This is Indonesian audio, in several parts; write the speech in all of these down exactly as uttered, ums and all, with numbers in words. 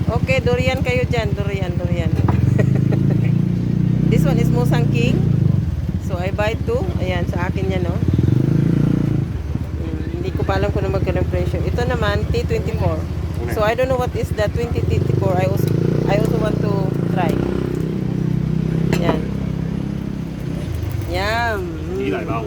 Okay, durian kayo dyan. Durian, durian. This one is Musang King. So, I buy two. Ayan, sa akin yan, no? Hmm, hindi ko pa alam kung ano magkano presyo. Ito naman, T twenty-four. So, I don't know what is the twenty twenty-four. I also, I also want to try. Yan. Yum. Chỉ lại bao.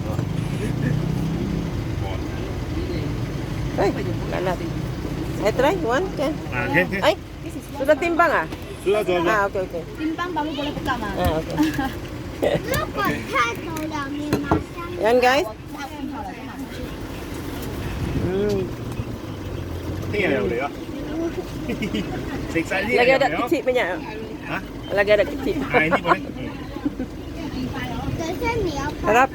Ay, kalat. I try one, can. À, thế thế. Ay, sudah timbang ah? Sudah, sudah, sudah. Ah, okay, okay. Timbang baru boleh pegang ah. Ah, okay. 如果太走两面马上 Yan guys. 我拿pin好了，就拿出去。 Mm. Thế này đều được á. Xịt xài đi. Lagi ada kecil punya. Hah? Lagi ada kecil. Ah, ini boleh. 可是你要 Harap.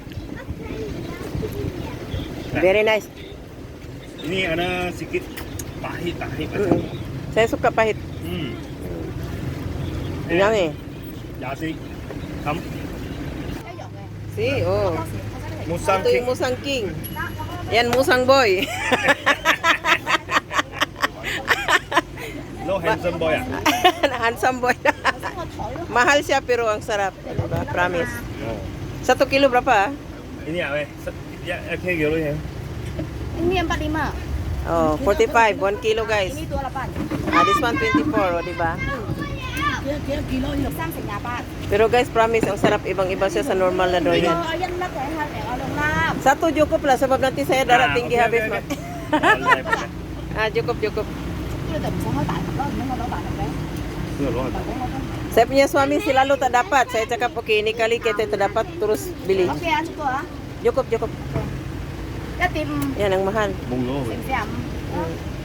Very nice. Ini ada sedikit pahit, pahit macam. Mm. Saya suka pahit. Hmm. Yummy. Ya sih. Kamu 要有哎， Si, oh. 到时它这个可以 musang Ito yung king. Musang King. Yan, Musang Boy. Lo handsome boy ah. Handsome boy. 可是我头又 Mahal siya pero ang sarap. Diba? Promise. Oh. Satu kilo berapa? Ini apa? Ya, oke gitu ya. ini empat puluh lima. Oh, forty-five. One kilo guys. Ini dua puluh delapan. Ah, this one twenty-four, oh, diba? Kilo kilo kilo ini三成廿八。 Pero guys, promise, ang sarap. Ibang-iba siya sa normal na durian. Ito, ayan na kaya hati orang lap. Satu cukup lah sebab nanti saya darah Ah, tinggi oke, habis. oke, Mak. oke. Boleh, boleh. Ah, cukup, cukup. Ini udah bisa nggak tahu, kalau nggak tahu tahu deh. Sudah lo. Saya punya suami selalu tak dapat. Saya cakap, okay, ini kali kita tak dapat, terus beli. Oke, anu tuh ah. Cukup, cukup. Ya tim Yan ang mahal. Mung lo. siam siam. Hmm.